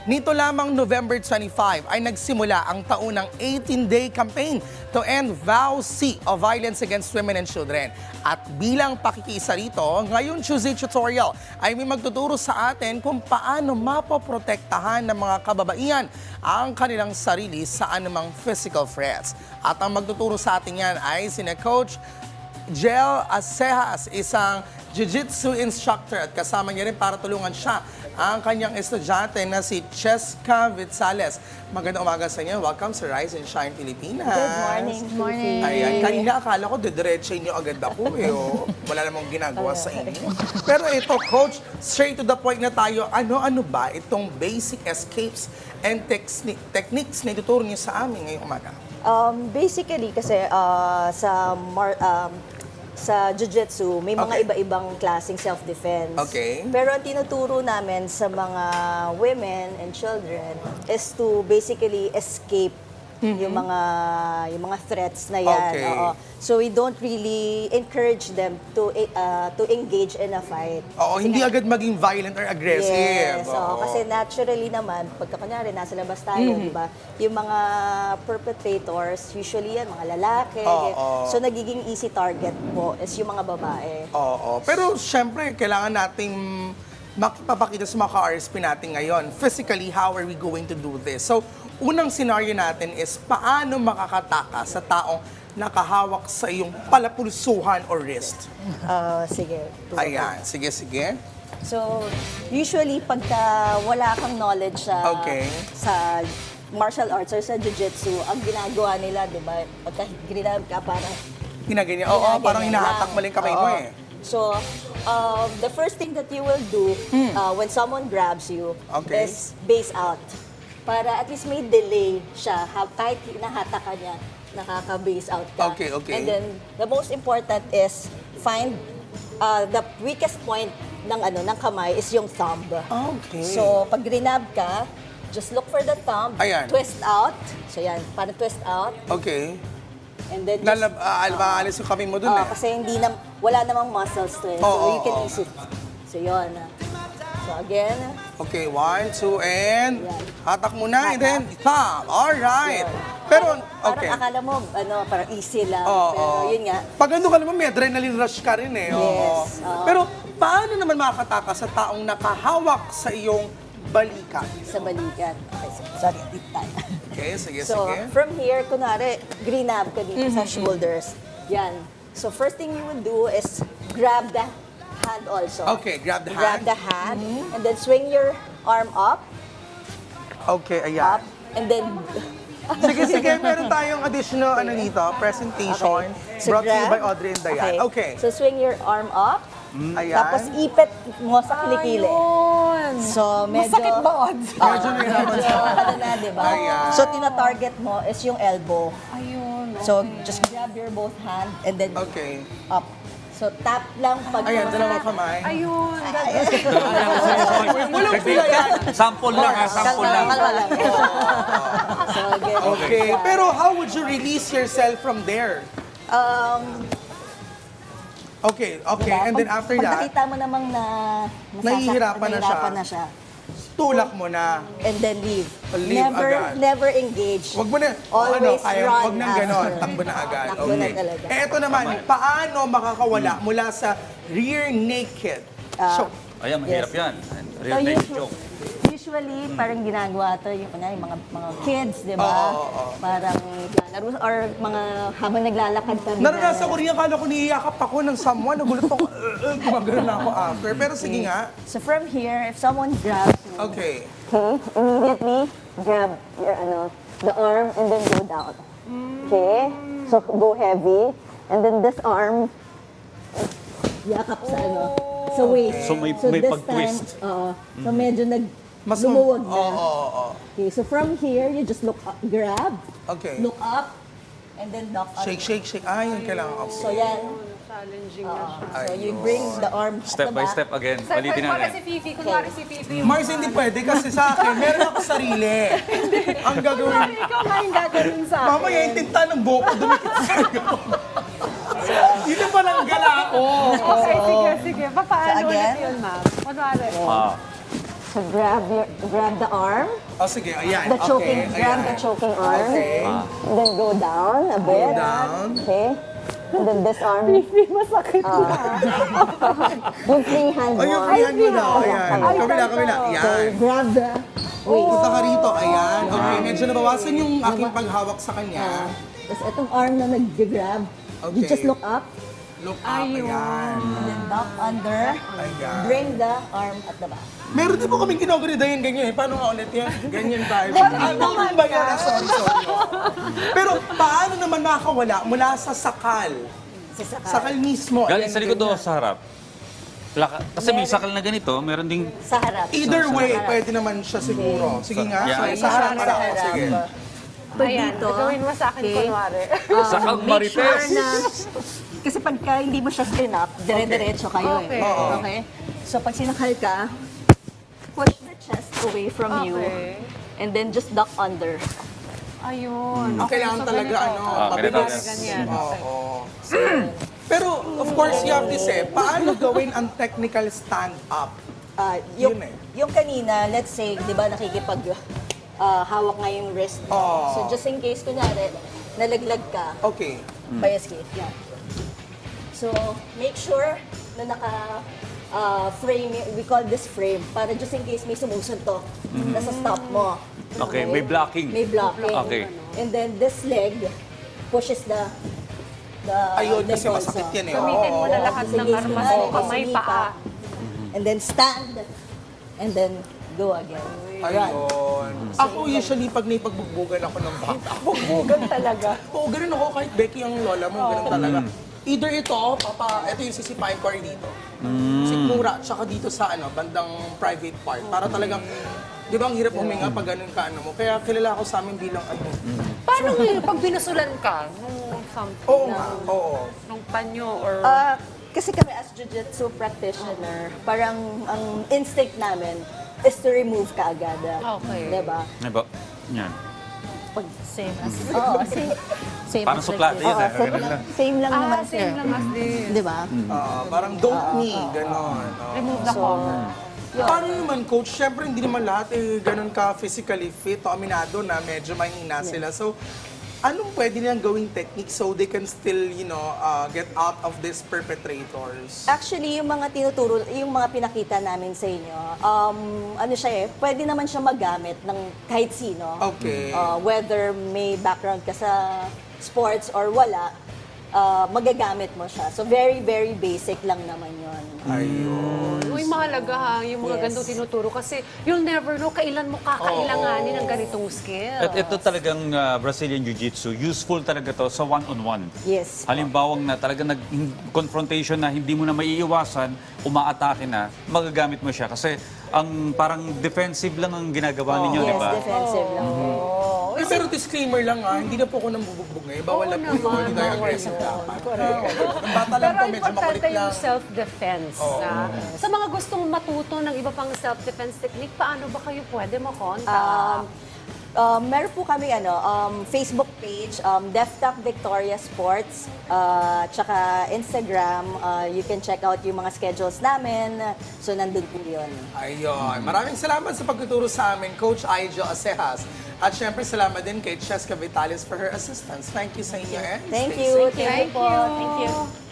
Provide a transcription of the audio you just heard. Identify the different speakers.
Speaker 1: Nito lamang November 25 ay nagsimula ang taunang 18-day campaign to end VOWC o Violence Against Women and Children. At bilang pakikiisa rito, ngayon Tuesday tutorial ay may magtuturo sa atin kung paano mapoprotektahan ng mga kababaihan ang kanilang sarili sa anumang physical threats. At ang magtuturo sa atin yan ay sina Coach Jel Acejas, isang jiu-jitsu instructor, at kasama niya rin para tulungan siya ang kanyang estudyante na si Cheska Vitsales. Magandang umaga sa inyo. Welcome sa Rise and Shine Pilipinas.
Speaker 2: Good morning.
Speaker 3: Good morning.
Speaker 1: Ayan, kanina akala ko didiretso niyo agad ako eh. Oh. Wala namang ginagawa sa inyo. Pero ito, Coach, straight to the point na tayo. Ano-ano ba itong basic escapes and techniques na ituturo niyo sa amin ngayong umaga?
Speaker 2: Basically, kasi sa jiu-jitsu, may mga
Speaker 1: Okay.
Speaker 2: iba-ibang klaseng self-defense.
Speaker 1: Okay.
Speaker 2: Pero ang tinuturo namin sa mga women and children is to basically escape yung mga threats na yan.
Speaker 1: Okay.
Speaker 2: Oo. So we don't really encourage them to engage in a fight.
Speaker 1: Oo,
Speaker 2: Kasi
Speaker 1: hindi
Speaker 2: nga-
Speaker 1: agad maging violent or aggressive.
Speaker 2: Yes, oo. Kasi naturally naman, pagka kunyari nasa labas tayo, di ba? Yung mga perpetrators, usually yan, mga lalaki.
Speaker 1: Oo.
Speaker 2: So nagiging easy target po is yung mga babae.
Speaker 1: Oo. Pero syempre, kailangan nating makipapakita sa mga ka-RSP natin ngayon. Physically, how are we going to do this? So, unang scenario natin is paano makakataka sa taong nakahawak sa iyong palapulsuhan or wrist.
Speaker 2: Sige.
Speaker 1: Ayan, sige.
Speaker 2: So, usually, pagka wala kang knowledge
Speaker 1: Okay.
Speaker 2: sa martial arts or sa jiu-jitsu, ang ginagawa nila, di ba, pagka ginagawa ka parang
Speaker 1: Ginaganyan. Oo, parang
Speaker 2: Ginaganyan
Speaker 1: hinahatak
Speaker 2: lang.
Speaker 1: mo lang kamay mo
Speaker 2: Oo.
Speaker 1: eh.
Speaker 2: So, the first thing that you will do when someone grabs you
Speaker 1: Okay.
Speaker 2: is base out. Para at least may delay siya. Kahit hinahatak ka niya, nakaka-base out ka.
Speaker 1: Okay.
Speaker 2: And then, the most important is find the weakest point ng kamay is yung thumb.
Speaker 1: Okay.
Speaker 2: So, pag grinab ka, just look for the thumb,
Speaker 1: Ayan.
Speaker 2: twist out. So, yan, parang twist out.
Speaker 1: Okay.
Speaker 2: And then just...
Speaker 1: Aalis yung kamay mo dun eh.
Speaker 2: Kasi wala namang muscles to eh. So
Speaker 1: Oo,
Speaker 2: you can
Speaker 1: oo.
Speaker 2: easy. So yun. So again.
Speaker 1: Okay, 1, 2, and
Speaker 2: Yan.
Speaker 1: hatak muna, and then
Speaker 2: Hatak.
Speaker 1: thumb. Alright.
Speaker 2: Yun.
Speaker 1: Pero, okay.
Speaker 2: Parang akala mo, parang easy lang.
Speaker 1: Oo,
Speaker 2: pero
Speaker 1: oo.
Speaker 2: yun nga.
Speaker 1: Pag ano ka naman, may adrenaline rush ka rin eh. Oo.
Speaker 2: Yes, oo.
Speaker 1: Pero paano naman makakataka sa taong nakahawak sa iyong balikat?
Speaker 2: Sa balikat. Okay, sorry, deep tayo.
Speaker 1: Okay, sige.
Speaker 2: So, from here, kunwari, grinab ka dito sa shoulders. Yan. So, first thing you would do is grab the hand also.
Speaker 1: Okay, grab the
Speaker 2: Grab
Speaker 1: hand.
Speaker 2: the hand, and then swing your arm up,
Speaker 1: Okay, ayan.
Speaker 2: up, and then...
Speaker 1: Sige, meron tayong additional dito, presentation
Speaker 2: Okay. So,
Speaker 1: brought to you
Speaker 2: grab.
Speaker 1: by Audrey and Dayan. Okay.
Speaker 2: So, swing your arm up,
Speaker 1: Ayan.
Speaker 2: tapos ipit mo sa kilikili.
Speaker 3: Ayun.
Speaker 2: So, medyo...
Speaker 3: Masakit ba, Odds?
Speaker 1: Medyo nahirapan
Speaker 2: Medyo,
Speaker 1: siya.
Speaker 2: na, di ba?
Speaker 1: Ayan.
Speaker 2: So, tina-target mo is yung elbow.
Speaker 3: Ayun.
Speaker 2: So, just grab your both hand and then
Speaker 1: Okay.
Speaker 2: up. So, tap lang pag...
Speaker 1: Ayan, dalawang kamay.
Speaker 3: Ayun.
Speaker 1: Walang pula yan.
Speaker 4: Sample lang ha, sample lang.
Speaker 2: Kalma lang. So, again.
Speaker 1: Okay. Pero how would you release yourself from there? Okay.
Speaker 2: Diba?
Speaker 1: And then after
Speaker 2: Pag
Speaker 1: that,
Speaker 2: nakita mo namang
Speaker 1: Nahihirapan na siya. tulak mo na.
Speaker 2: And then leave.
Speaker 1: Leave agad.
Speaker 2: Never engage.
Speaker 1: Wag mo na,
Speaker 2: Always run
Speaker 1: wag nang ganon,
Speaker 2: after.
Speaker 1: takbo na agad.
Speaker 2: Takbo na talaga.
Speaker 1: Eh, ito naman, paano makakawala mula sa rear naked? So,
Speaker 4: Ayan, mahirap
Speaker 2: Yes.
Speaker 4: yan. Real
Speaker 2: So,
Speaker 4: naked choke.
Speaker 2: usually, parang ginagawa to yung mga kids, di ba?
Speaker 1: Oo.
Speaker 2: Parang naglalaro or mga habang naglalakad ka.
Speaker 1: naranasan ko rin yan, kala ko niyayakap ako ng someone, nagulat ako, gumagano na ako after. Pero sige nga.
Speaker 2: So from here, if someone grabs you,
Speaker 1: Okay.
Speaker 2: immediately grab your the arm and then go down. Okay? So go heavy and then this arm yakap sa waist.
Speaker 4: So may
Speaker 2: this
Speaker 4: pag-twist.
Speaker 2: time, so medyo
Speaker 1: Mas
Speaker 2: lumuwag na.
Speaker 1: Oo.
Speaker 2: Okay, so from here, you just look up, grab,
Speaker 1: Okay.
Speaker 2: look up, and then knock out.
Speaker 1: Shake. Ah, yun kailangan ako.
Speaker 2: So yan.
Speaker 3: Challenging na siya.
Speaker 2: So you bring the arm at
Speaker 4: Step
Speaker 2: the
Speaker 4: by
Speaker 2: back.
Speaker 4: step again.
Speaker 3: Sa
Speaker 4: Palitin
Speaker 3: para
Speaker 4: natin.
Speaker 3: si Fifi, kunwari si Fifi.
Speaker 1: Mars, hindi pwede kasi sa akin, meron ako sarili. Ang gagawin,
Speaker 3: Kunwari ikaw nga yung gagawin sa akin.
Speaker 1: mamaya yung tinta ng buhok ko dumikit sa'yo. Dito pa lang gala ako.
Speaker 3: Okay, sige. Paano
Speaker 2: So, again?
Speaker 3: ulit yun, ma'am? Kunwari.
Speaker 2: So grab the arm,
Speaker 1: Oh, sige, ayan.
Speaker 2: the choking,
Speaker 1: Okay,
Speaker 2: grab
Speaker 1: ayan.
Speaker 2: the choking arm.
Speaker 1: Okay.
Speaker 2: And then go down a bit.
Speaker 1: down.
Speaker 2: Okay. And then this arm,
Speaker 3: Masakit na.
Speaker 2: yung free hand
Speaker 1: Oh,
Speaker 2: mo.
Speaker 1: yung free hand mo na. Ayan.
Speaker 3: Ay,
Speaker 1: Kabila.
Speaker 2: Okay,
Speaker 1: Ayan.
Speaker 2: grab the waist.
Speaker 1: Punta ka rito. Ayan. Okay, medyo nabawasan yung aking paghawak sa kanya.
Speaker 2: Tapos itong arm na nag-grab, you
Speaker 1: Okay.
Speaker 2: just look up,
Speaker 1: Look up. Ayan.
Speaker 2: and then back under,
Speaker 1: Ayan.
Speaker 2: bring the arm at the back.
Speaker 1: Meron din po kaming ginaganda yan ganyan eh. Paano nga ulit yan? Ganyan tayo. Ano ba yan? Sorry. Pero paano naman nakawala mula sa sakal? Sakal mismo.
Speaker 4: Galing
Speaker 1: Ayan,
Speaker 4: sa likod o
Speaker 1: ganyan.
Speaker 4: sa harap? Kasi may sakal na ganito, meron ding...
Speaker 2: Sa harap.
Speaker 1: Either
Speaker 2: Sa
Speaker 1: way,
Speaker 2: harap.
Speaker 1: pwede naman siya siguro. Sige nga.
Speaker 4: Yeah.
Speaker 1: Sa harap.
Speaker 2: Sa harap.
Speaker 1: Sige.
Speaker 2: Pag
Speaker 3: Ayan,
Speaker 2: dito,
Speaker 3: gawin mo sa akin
Speaker 2: okay.
Speaker 3: kunwari.
Speaker 4: Sakal
Speaker 2: make sure
Speaker 4: Marites!
Speaker 2: na, kasi pagka hindi mo siya spin up, dire-diretso kayo
Speaker 3: Okay.
Speaker 2: eh.
Speaker 1: Oo.
Speaker 2: Okay? So pag sinakal ka, push the chest away from you,
Speaker 3: Okay.
Speaker 2: and then just duck under.
Speaker 3: Ayun.
Speaker 1: Kailangan
Speaker 3: so
Speaker 1: talaga
Speaker 3: ganito.
Speaker 1: mabilis.
Speaker 4: ganito.
Speaker 3: Ganyan.
Speaker 1: Oo. Pero of course, you have to say, paano gawin ang technical stand-up?
Speaker 2: Yung,
Speaker 1: Yun eh.
Speaker 2: yung kanina, let's say, di ba nakikipag hawak nga yung wrist mo.
Speaker 1: Oo.
Speaker 2: So just in case, kunwari, nalaglag ka,
Speaker 1: Okay.
Speaker 2: pa-escape. Yan. So, make sure na frame, we call this frame, para just in case may sumusuntok, nasa stop mo.
Speaker 4: Okay, may blocking.
Speaker 2: May blocking.
Speaker 4: Okay.
Speaker 2: And then this leg pushes the
Speaker 1: Ayun,
Speaker 2: leg
Speaker 1: kasi
Speaker 2: also.
Speaker 1: masakit yan eh.
Speaker 3: Gamitin mo na
Speaker 1: Oo.
Speaker 3: lahat
Speaker 2: Just in
Speaker 3: ng
Speaker 2: case
Speaker 3: armas
Speaker 2: kunwari,
Speaker 3: mo, kamay,
Speaker 2: sumika.
Speaker 3: paa.
Speaker 2: And then stand. And then go again. Run.
Speaker 1: Ayun. Ako usually, pag naipagbubugan ako ng bata,
Speaker 3: Bugbugan talaga.
Speaker 1: oo, ganun ako kahit Becky ang lola mo, ganun talaga. Either ito, ito yung sisipain ko rin dito. Sikmura, tsaka dito sa bandang private part. Para talagang, di ba ang hirap huminga pag ganun ka mo. Kaya kilala ako sa amin bilang
Speaker 3: Paano ngayon pag binusulan ka nung something?
Speaker 1: Oo nga, oo.
Speaker 3: Nung panyo or...
Speaker 2: Kasi kami as jiu-jitsu practitioner, parang ang instinct namin is to remove ka agad.
Speaker 3: Okay.
Speaker 2: Diba?
Speaker 4: Diba? Yan.
Speaker 2: Pag same as... Oo, same
Speaker 4: Parang
Speaker 2: as
Speaker 4: suplate
Speaker 2: like
Speaker 4: yun,
Speaker 2: this.
Speaker 4: eh.
Speaker 2: Oo, same lang. Same lang naman, sir.
Speaker 3: same lang as this.
Speaker 2: Diba?
Speaker 1: Parang don't me, ganon.
Speaker 3: Remove the cover.
Speaker 1: Paano naman, coach? Siyempre, hindi naman lahat ganun ka physically fit o aminado na medyo mahina sila. So, anong pwede nilang gawing technique so they can still, get out of these perpetrators?
Speaker 2: Actually, yung mga tinuturo, yung mga pinakita namin sa inyo, ano siya pwede naman siya magamit ng kahit sino.
Speaker 1: Okay.
Speaker 2: Whether may background ka sa sports or wala, magagamit mo siya. So, very, very basic lang naman yun.
Speaker 1: Ayun.
Speaker 3: Uy, mahalaga ha, yung mga
Speaker 2: Yes.
Speaker 3: gandong tinuturo kasi you'll never know kailan mo kakailanganin ng ganitong skill.
Speaker 4: At ito talagang Brazilian Jiu-Jitsu, useful talaga to sa one-on-one.
Speaker 2: Yes.
Speaker 4: Halimbawang na talagang confrontation na hindi mo na maiiwasan, umaatake na, magagamit mo siya. Kasi ang parang defensive lang ang ginagawa ninyo, di
Speaker 2: Yes,
Speaker 4: ba?
Speaker 2: defensive lang.
Speaker 1: Pero disclaimer lang hindi na po ako nang bubugbog ngayon. Bawal na po yun, hindi tayo aggressive dapat. Ang bata lang
Speaker 3: Pero
Speaker 1: po, medyo makulit
Speaker 3: importante
Speaker 1: lang.
Speaker 3: yung self-defense. Sa mga gustong matuto ng iba pang self-defense technique, paano ba kayo pwede makontak?
Speaker 2: Meron po kami Facebook page, DefTap Victoria Sports, tsaka Instagram. You can check out yung mga schedules namin. So, nandun po yun.
Speaker 1: Ayun. Maraming salamat sa pagtuturo sa amin, Coach Aijo Acejas. At syempre, salamat din kay Cheska Vitalis for her assistance. Thank you sa inyo. And
Speaker 2: Thank
Speaker 1: stay
Speaker 2: you.
Speaker 1: safe.
Speaker 2: Thank you po. Thank you.